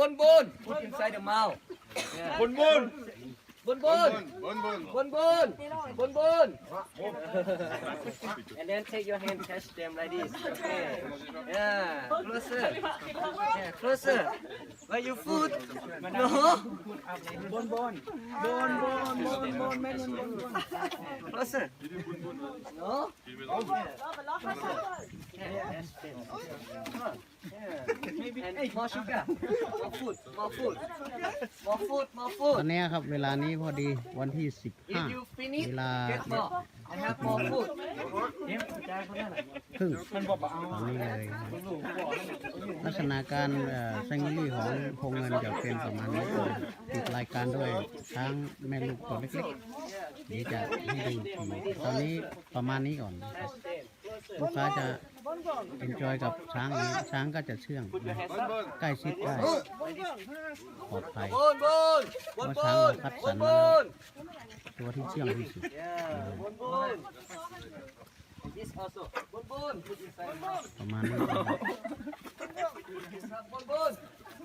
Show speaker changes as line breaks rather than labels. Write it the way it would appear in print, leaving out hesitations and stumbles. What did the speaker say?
Bun. Put inside the mouth. Yeah.
Bun.
Bun. And then take your hand, catch them like this. Okay. Yeah. Closer. Yeah. Closer. Where your foot? No. Closer. No. And more sugar. More food.
ตอนนี้ครับเวลานี้พอดีวันที่
If you
15
finish,
เวลา
get more. I have more food.
ครึ่งตอนนี้เลยลักษณะการแซงลี่ของโครงเงินจะเป็นประมาณนี้ติดรายการด้วยช้างแม่ลูกตัวเล็กๆเดี๋ยวจะให้ดูตอนนี้ประมาณนี้ก่อนนะครับลูกค้าจะเอ็นจอยกับช้างนี้ช้างก็จะเชื่องใกล้ชิดได้ปลอดภัย
Bun.
เพราะช้างเราคัดสรรมาแล้วตัวที่เชื่องที่สุด
Bun. This also. Bun. Put inside.
ประมาณนี้
Bun.